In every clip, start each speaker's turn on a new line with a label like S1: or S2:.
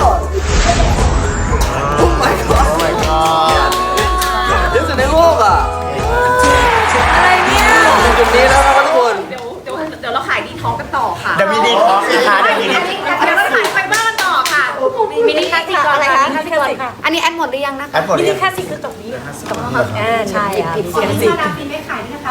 S1: โอ้ my god เยอะสุดในโลกอ่ะ
S2: อะไรเนี่ย
S1: ถึงจุดนี้แล้วนะครับทุกคน
S3: เดี๋ยวเราขายดีท็อกกันต่อค่ะ
S4: เดี๋ยวมีดีท็อกนะคะเดี๋ยวมีดี
S3: เดี๋ยวเราขายไฟเบอร์กันต่อค่ะ
S2: มินิคลาสสิกอะไรคะมินิคลาสสิกอันนี้แอดหมดหรือยังนะคะ
S4: อันหมด
S2: มิ
S4: เล
S2: นิ
S4: ย
S2: คลาสสิกคือตรงนี้ตรงนี้ใช่ค่ะ
S3: ที่มาดามฟินไม่ขายด้วยนะคะ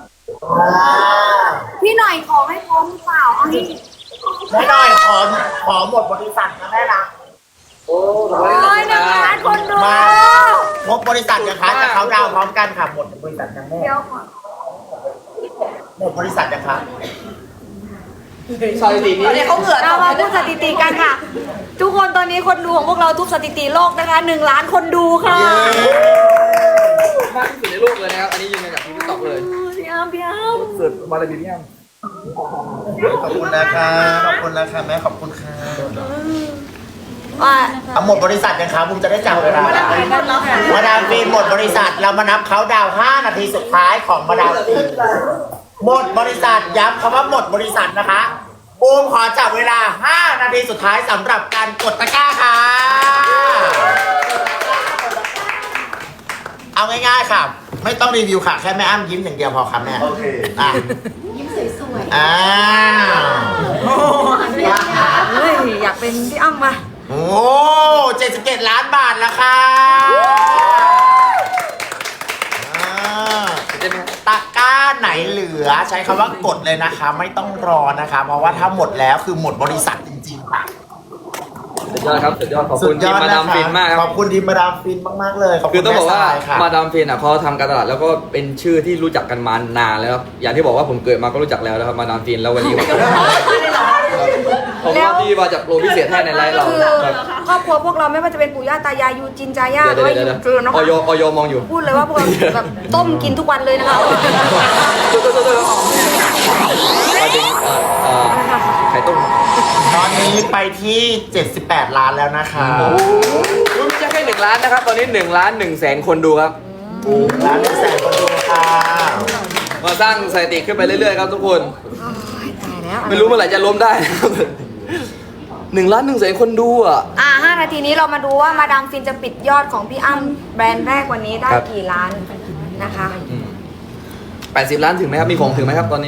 S2: พี่หน่อยขอให้พร้อมเปล่าเอาให้
S4: แม่หน่อยขอหมดบริษัทนะแม่นะ
S1: โอ้
S2: โอ้ยนะคะคนดู
S4: มาหมดบริษัทนะคะจะเขาดาวน์พร้อมกันค่ะหมดบริษัทกันแม่
S2: เดี๋ยวก่อน
S4: หมดบริษัทนะคะ
S1: สถิตินี้
S3: เขาเหงื่อ
S2: เรามาพูดสถิติกันค่ะ ทุกคนตอนนี้คนดูของพวกเราทุกสถิติโลกนะคะ1 ล้านคนดูค่ะ
S1: มากที่สุดในโลกเลยนะครับ อันนี้ยืนยันจากที่ติ๊กต็อกเลย
S2: พี่อ้ำ
S1: สุดบารมีพี่อ้ำ
S4: ขอบคุณนะคะขอบคุณนะคะแม่ขอบคุณค่ะ
S2: ว่า
S4: เอาหมดบริษัทยังคะบุมจะได้จับเวลา
S3: มาดามฟินหมดแล้วค่ะ
S4: มาดามฟินหมดบริษัทเรามานับเขาดาวน์5 นาทีสุดท้ายของมาดามฟินหมดบริษัทย้ำคำว่าหมดบริษัทนะคะบูมขอจับเวลา5 นาทีสุดท้ายสำหรับการกดตะกร้าค่ะเอาง่ายๆค่ะ ไม่ต้องรีวิวค่ะ แค่แม่อ้ำยิ้มอย่างเดียวพอครับแม่โอเคอ่ะ
S3: ยิ้มสวย
S4: อ้าว
S2: เฮ้ยอยากเป็นพี่อ้ำมา
S4: โอ้77 ล้านบาทแล้วค่ะอ่า
S1: เห็นไหมครับ
S4: ตะกร้าไหนเหลือใช้คำว่ากดเลยนะคะ ไม่ต้องรอนะคะ เพราะว่าถ้าหมดแล้วคือหมดบริษัทจริงๆค่ะ
S1: สุดยอดครับสุดยอดขอบคุณทีมมาดามฟินมากค
S4: ข
S1: รั
S4: อบ บคุณทีมมาดามฟินมากๆเลยขอบ
S1: คื
S4: คุ
S1: อ
S4: ณ
S1: ต้องบอกว่า
S4: แม่ทรยค่ะ
S1: มาดามฟินอ่ะเขาทำการตลาดแล้วก็เป็นชื่อที่รู้จักกันมานานแล้วครับอย่างที่บอกว่าผมเกิดมาก็รู้จักแล้วนะครับมาดามฟินแล้ววันนี้ผมว่าที่มาจากโปรพิเศษให้ในไลฟ์เรา
S2: คือ
S1: ครับ
S2: ครอบครัวพวกเราไม่ว่าจะเป็นปู่ย่าตายายยูจินจาย่าหรือว่ายูเกลือเนาะ
S1: ออยมองอยู่
S2: พูดเลยว่าพวกเราแบบต้มกินทุกวันเลยนะคะ
S1: มาถึงไข่ต้ม
S4: ตอนนี้ไปที่ 78 ล้านแล้วนะคะ
S1: ไม่ใช่แค่1 ล้านนะครับ ตอนนี้1 ล้าน1 แสนคนดูครับ
S4: ล้าน1 แสนคนดูค่ะ
S1: มาสร้างสถิติขึ้นไปเรื่อยๆครับทุกคน
S2: ตายแล้ว
S1: ไม่รู้เมื่อไหร่จะล้มได้นะครับ1 ล้าน1 แสนคนดูอ่ะ
S2: 5 นาทีนี้เรามาดูว่ามาดามฟินจะปิดยอดของพี่อ้ำแบรนด์แรกวันนี้ได้
S1: ครับ
S2: กี่ล้านนะคะ
S1: 80 ล้านถึงไหมครับ มีของถึงไหมครับตอนนี้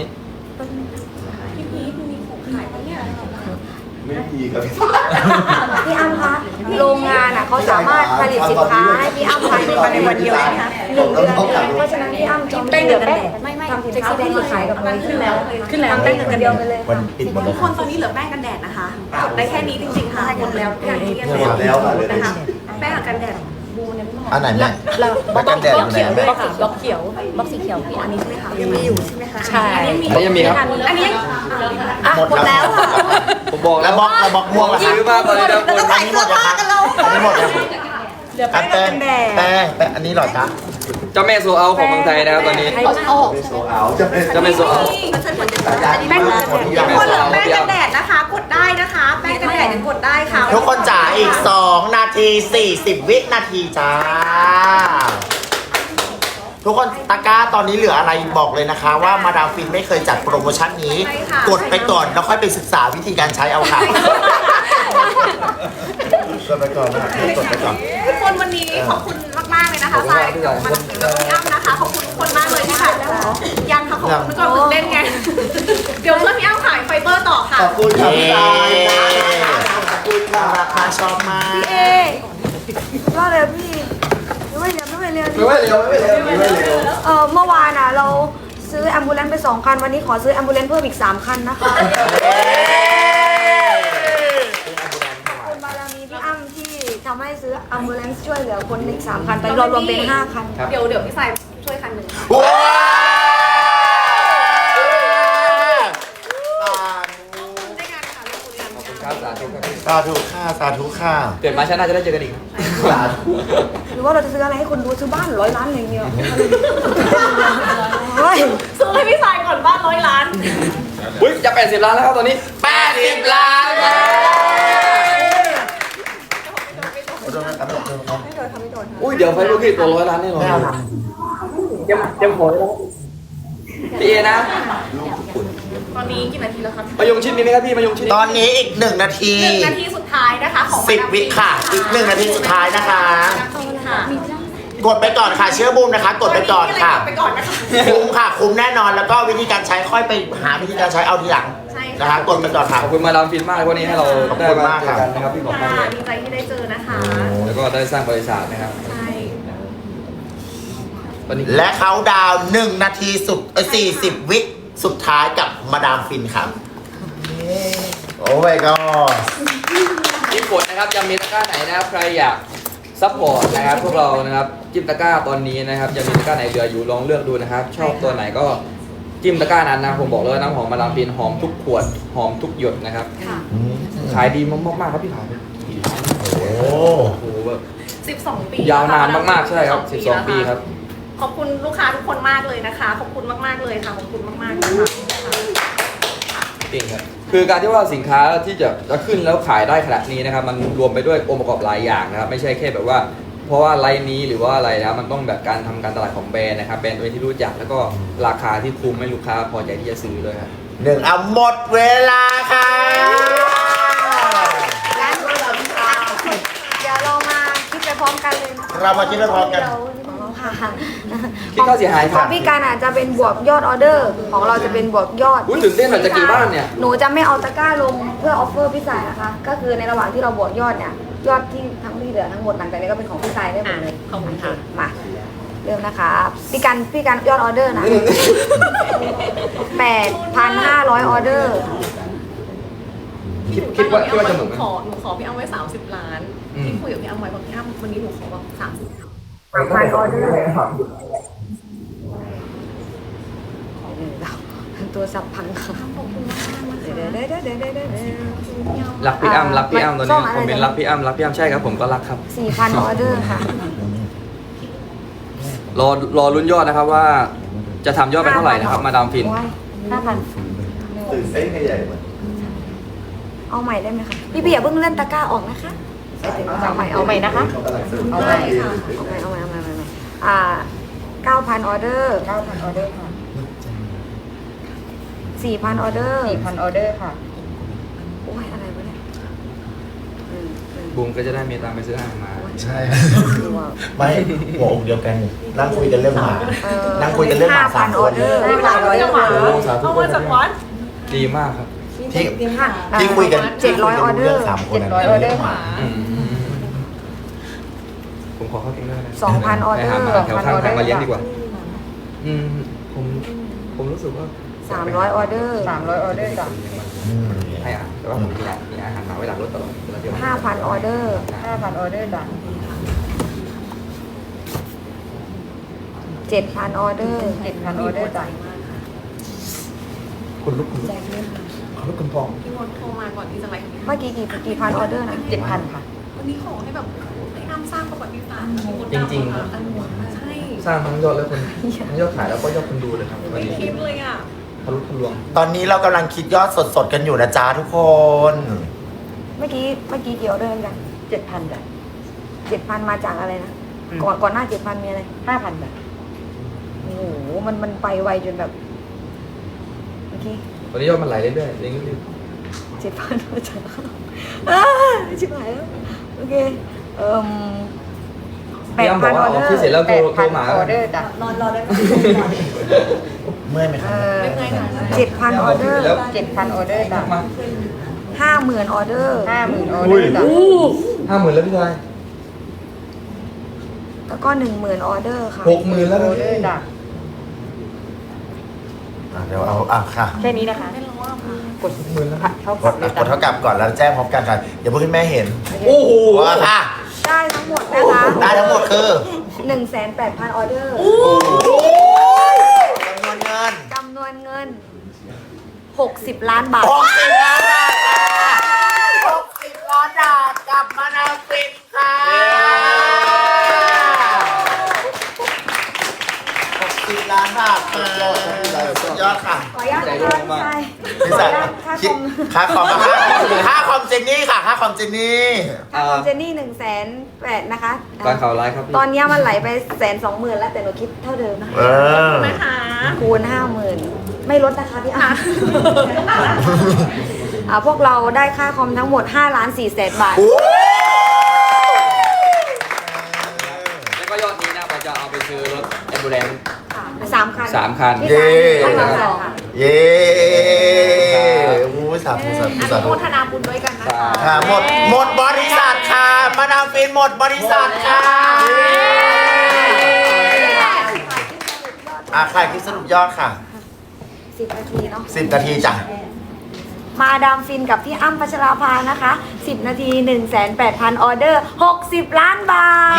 S2: พี่อ้ำคะโรงงานอ่ะเขาสามารถผลิตสินค้าให้พี่อ้ำภายในวันเดียวนะคะ1 เดือนเพราะฉะนั้นพี่อ้ำจอมเป็นเดือนแรกทำสินค้าแบรนด์ขายกับเราขึ้นแล้วทำได้1 เดือนไปเลย
S4: วันปิดหมด
S3: ทุ
S4: แล้
S3: ก
S4: ว
S3: คนตอนนี้เหลือแป้งกันแดดนะคะกดได้แค่นี้จริงๆค่ะหมดแล้วอย่างที่เรียน
S4: หมดแล้วค่ะ
S3: นะคะแป้งกันแดด
S4: อันไหนแม่แม่กันแดดอยู่ไหนแม่
S2: บล็อกเขียวบล็อกสีเขียวพี่อันนี้ใช่ไหมคะยังมีอยู่ใช่ไหมคะใช่
S1: อันนี้ยังมีครับ
S3: อันนี้
S4: หมดแล้ว
S1: ผมบอก
S4: แล้
S1: แล้ว ว
S4: บล็อกแล้วบล็อกม่วงล่ะ
S1: ซื้อมาตอนนี้ทุกคน
S4: อันนี้หมดยังคะอันนี้หมดยังอันแป้งแป้งอันนี้เหรอจ๊ะ
S1: เจ้าแม่โซเอาของเมืองไทยนะครับตอนนี้
S3: เอา
S1: เจ้าแม่โซเอา
S3: มันช่วยผลแป้งกันแดดทุกคนเหลือแป้งกันแดดนะคะ กดได้นะคะ แป้งกันแดดยังกดได้ค่ะ
S4: ทุกคนจ๋าอีก 2 นาที 40 วินาทีจ้า ทุกคนตะกร้าตอนนี้เหลืออะไรบอกเลยนะคะ ว่ามาดามฟินไม่เคยจัดโปรโมชั่นนี้ กดไปก่อนแล้วค่อยไปศึกษาวิธีการใช้เอาค่ะกดไปก่อนนะกดไปก่อน
S3: ทุกคนวันนี้ขอบคุณมากๆเลยนะคะสายกับมาดามฟินแล้วก็พี่อ้ำนะคะขอบคุณทุกคนมากเลยที่แบบยังค่ะขอบคุณก่อนตื่นเต้นไงเดี๋ยวเพื่อนพี่อ้ำขายไฟเบอร์ต่อค่ะ
S4: ขอบคุณค่ะพี่ชายขอบคุณค่ะราคาชอบมาก
S2: เอ๊ก็เลยพี่ไม่เร็ว
S1: ไม่เร็วไม่เร็วไม่เร็ว
S2: เมื่อวานอ่ะเราซื้อแอมบูเลนซ์ไป2 คันวันนี้ขอซื้อแอมบูเลนซ์เพิ่มอีก3 คันนะคะคุณบารมีพี่อ้ำที่ทำให้ซื้อแอมบูเลนซ์ช่วยเหลือคนอีก3 คันตอนนี้เรารวมเป็น5 คัน
S3: เดี๋ยวพี่สายช่วยคันหนึ่งค่ะ
S4: ว้าว
S3: ได้งานค่ะเรื่องบุรีรัมย์
S1: ครับสาธุครับพี่
S4: สาธุค่ะสาธุค่ะ
S1: เกิดมาชาติหน้าจะได้เจอกันอีก
S4: สาธุ
S2: หรือว่าเราจะซื้ออะไรให้คนดูซื้อบ้าน100 ล้านอย่างเดียวเฮ้ย
S3: ซื้อให้พี่สายก่อนบ้าน100 ล้าน
S1: อุ้ยจะ80 ล้านแล้วครับตอนนี้
S4: 80 ล้านแล้ว
S1: อุ้ยเดี๋ยวไฟลูกพี่ตัว100 ล้านแน่นอน
S4: ไม่เอานะ
S1: เตรียมหอยแล้วพี่เอนะ
S3: ตอนนี้กี่นาทีแล้วคะ
S1: มายงชิดมีไหมครับพี่มายงชิด
S4: ตอนนี้อีก1 นาที
S3: 1 นาทีสุดท้ายนะคะของ
S4: 10 วิค่ะ อีก1 นาทีสุดท้ายนะคะ
S3: ค่ะ
S4: กดไปก่อนค่ะเชื่อบูมนะคะ กดไปก่อนค่ะ
S3: ไปก่อนนะคะ
S4: คุ้มค่ะคุ้มแน่นอนแล้วก็วิธีการใช้ค่อยไปหาวิธีการใช้เอาทีหลัง
S3: ใช่ค่ะ
S4: นะคะกดไปก่อนค่ะ
S1: ขอบคุณมาดามฟินมากเลยวันนี้ให้เรา
S4: ขอบ
S1: ได้
S4: คุณ
S1: มาม
S4: าก
S1: เจ
S4: ครั
S1: อบ กันนะครับพี่ขอบคุณ
S3: ค่ะ
S1: มาก
S3: ดีใจที่ได้เจอนะคะ
S1: แล้วก็ได้สร้างบริษัทนะครับ
S3: ใช่
S1: ตอนนี้
S4: และเขาดาวน์1 นาทีสุด40 วิสุดท้ายกับมาดามฟินครับโอ้ my god
S1: ที่กดนะครับยังมีตะกร้าไหนนะครับใครอยากซัพพอร์ตนะครับพวกเรานะครับจิ้มตะกร้าตอนนี้นะครับยังมีตะกร้าไหนเหลืออยู่ลองเลือกดูนะครับ ชอบตัวไหนก็จิ้มตะกร้านั้นนะผมบอกเลยว่าน้ำหอมมาดามฟินหอมทุกขวดหอมทุกหยดนะครับ
S3: ค่ะ
S1: ขายดีมากๆครับพี่ขาย
S4: โอ้
S1: โอ้โหแบบ
S3: 12 ปี
S1: ยาวนานมากๆใช่ครับ
S3: แล้ว
S1: 12 ปีครับ
S3: ขอบคุณลูกค้าทุกคนมากเลยนะคะ ขอบคุณมากๆเลยค่ะ ขอบคุณมากๆนะคะ
S1: จริงครับคือการที่ว่าสินค้าที่จะขึ้นแล้วขายได้ขนาดนี้นะครับมันรวมไปด้วยองค์ประกอบหลายอย่างนะครับไม่ใช่แค่แบบว่า เพราะว่าไลน์นี้หรือว่าอะไรนะมันต้องแบบการทำการตลาดของแบรนด์นะครับแบรนด์ตัวที่รู้จักแล้วก็ราคาที่คุ้มให้ลูกค้าพอใจที่จะซื้อเลยครับ
S4: 1เอาหมดเวลาค่ะ
S2: งั้นเดี๋ยวเรามาคิดไปพร้อมกันเลยนะ
S4: เรามาคิดไปพร้อมกัน
S2: ค่ะ
S1: คิดค่าเสียหาย
S2: ข
S1: ครั
S2: อบ งพี่การอาจจะเป็นบวกยอดออเดอร์ ของเราจะเป็นบวกยอด
S1: อุ๊ยตื่นเต้นหน่อยจะกี่บ้านเนี่ย
S2: หนูจะไม่เอาตะกร้าลงเพื่อออฟเฟอร์พี่สายนะคะ ก็คือในระหว่างที่เราบวกยอดเนี่ยยอดที่ทั้งที่เหลือทั้งหมดหลังจากนี้ก็เป็นของพี่สายได้หมดเลย
S3: ขอบคุณค่ะ
S2: มาเริ่มนะคะพี่การยอดออเดอร์นะ 8,500 ออเดอร์
S1: คิดว่าจะเหมือนไหม
S3: หนูขอพี่อ้ำไว้30 ล้าน
S1: อืม
S3: ที่คุยกับพี่อ้ำไว้บอกพี่อ้ำวันนี้หนูขอแบบ30
S2: 3,000 ออเดอร์ตัวสับพังค่ะ
S3: ขอบคุณมากๆนะคะ
S2: เดี๋ยว
S1: รักพี่อ้ำรักพี่อ้ำตอนนี้คอมเมนต์รักพี่อ้ำรักพี่อ้ำใช่ครับผมก็รักครับ
S2: 4,000 ออเดอร์ค่ะ
S1: รอลุ้นยอดนะครับว่าจะทำยอดไปเท่าไหร่นะครับมาดามฟิน
S2: 5,000
S4: ตื่นเต้นกันใหญ่หมด
S2: เอาใหม่ได้ไหมคะพี่อย่าเพิ่งเล่นตะกร้าออกนะคะเอาใหม่นะคะ
S3: เอาใหม่ค่ะ
S2: เอาใหม่9,000 ออเดอร์
S5: 9,000 ออเดอร์ค่ะ
S2: 4,000 ออเดอร์
S5: 4,000 ออเดอร์ค่ะ
S2: โอ้ยอะไรวะเนี่ย
S1: บูมก็จะได้มีตังค์ไปซื้ออาหารมา
S4: ใช่ไม่หัวอกเดียวกันนั่งคุยกันเรื่องหมานั่งคุยกันเรื่องหมาสาม
S2: 5,000
S4: ค
S2: ออน เดอร์
S3: 5,000จังหวะ
S1: โอ้สาธุ
S3: เอามาจากวัด
S1: ดีมากครับ
S4: ที่คุยกัน
S2: 700 ออเดอร์
S4: 3 คน
S5: 700 ออเดอร์ค่ะ
S1: ผมขอเข้าเองด้วยนะ
S2: 2,000 ออเดอร์
S1: ไปหาหมาแถวข้างทางมาเลี้ยงดีกว่า ผมรู้สึกว่า
S2: 300 ออเดอร์
S5: 300 ออเดอร์จ้ะ
S1: ให้อาหารแต่ว่าผมมีอาหารหมาไว้หลังรถตลอดเวลาเที่ยว
S2: 5,000 ออเดอร์
S5: 5,000 ออเดอร์จ้ะ
S2: 7,000 ออเดอร์
S5: 7,000 ออเดอร์จ้ะ
S1: คุณลุกคุณทอง
S3: พี่มดโทรมาก่อนที่จะไลฟ์
S2: เมื่อกี้กี่พันออเดอร์นะ
S5: 7,000 ค่ะ
S3: วันนี้ขอให้แบบให้อ้ำสร้างประวัติศาสตร์
S1: จริงๆครับ
S3: ใช่
S1: สร้างทั้งยอดและคนทั้งยอดขายแล้วก็ยอดคนดูเลยครับวัน
S3: ไม่
S1: นี้
S3: คิดเลยอ่ะ
S1: ทะลุทะลวง
S4: ตอนนี้เรากำลังคิดยอดสดๆกันอยู่นะจ๊ะทุกคน
S2: เมื่อกี้กี่ออเดอร์กัน
S5: 7,000 จ้ะ
S2: 7,000 มาจากอะไรนะ
S5: อืม
S2: ก่อนหน้า 7,000 มีอะไร
S5: 5,000 จ้ะ
S2: โอ้โห มันไปไวจนแบบเมื่อกี้
S1: วันนี้ยอดมันไหลเรื่อยๆเรื่อย
S2: 7,000 มาจากชิบหายแล้ว โอเค
S1: ๆพี่อ้ำบอกว่าออกที่เสร็จแล้วโทรมา
S5: 8,000 ออเดอร์จ้ะ
S4: เมื่อยไหมครับ
S2: 7,000 ออเดอร์
S5: 7,000 ออเดอร์จ้ะ
S1: มา
S2: 50,000 ออเดอร์
S5: 50,000 ออเดอร์จ้ะ
S1: 50,000แล้วพี่ชาย
S2: แล้วก็ 10,000 ออเดอร์ค่ะ
S1: 60,000แล้ว
S5: อ
S1: นะ
S5: อเดอร์จ้ะ
S4: เดี๋ยวเอาค่ะ
S5: แค่นี้นะคะ
S3: ไม่รู้ว่าค่ะ
S5: กด10,000แล้วค่ะเท่าก กับ
S4: ด
S5: เลย
S4: ก
S5: จ้ะ
S4: ดเท่ากับก่อนแล้วแจ้งพร้อมกันค่ะเดี๋ยวพวกคุณแม่เห็น
S1: โอ้โห
S4: ว่าค่ะ
S2: ได้ทั้งหมดนะคะ
S4: ได้ทั้งหมดคือ
S2: 1,800 ออเดอร์
S4: จำนวนเงิน
S2: จำนวนเงิน 60 ล้านบาท
S4: 60 ล้านบาทค่ะ60 ล้านบาทกลับมานาฟินค่ะ60 ล้านบาทสุดยอดค่ะ
S2: ขออนุญาตนะคะ
S4: พี่สายคิดค่าคอมค่าคอมเจนนี่ค่ะค่าคอมเจนนี่
S2: ค่าคอมเจนนี่1,800,000นะคะ
S1: การข่าวร้ายครับพี่
S2: ตอนนี้มันไหลไป120,000แล้วแต่หนูคิดเท่าเดิมนะ
S4: เออ
S3: นะคะ
S2: คูณ 50,000 ไม่ลดนะคะพี่อ้ำพวกเราได้ค่าคอมทั้งหมด5,400,000 บาท
S1: แล้วก็ยอดนี้นะเราจะเอาไปซื้อรถแอมบูเลนซ์
S2: 3 คัน
S1: 3 คัน
S2: พี่
S4: เย้
S2: ให้เราสอง
S4: เย้โอ้ยสาธุสาธุสา
S3: โม
S4: ธุ
S3: ทนาบุญด้วยกันนะคะ
S4: ค่ะหมดบริษัทค่ะมาดามฟินหมดบริษัทค่ะใครคิดสรุปยอดค่ะ
S2: 10 นาทีเนาะ
S4: 10 นาทีจ้ะ
S2: มาดามฟินกับพี่อ้ำพัชราภานะคะ 10 นาที 1,800,000 ออเดอร์ 60 ล้านบาท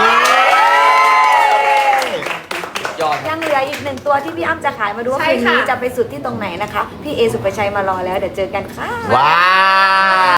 S1: ยอด
S2: ยังเหลืออีก1 ตัวที่พี่อ้ำจะขายมาดูว่าคืนนี้จะไปสุดที่ตรงไหนนะคะ พี่เอสุปชัยมารอแล้วเดี๋ยวเจอกันค่ะ
S4: ว้าว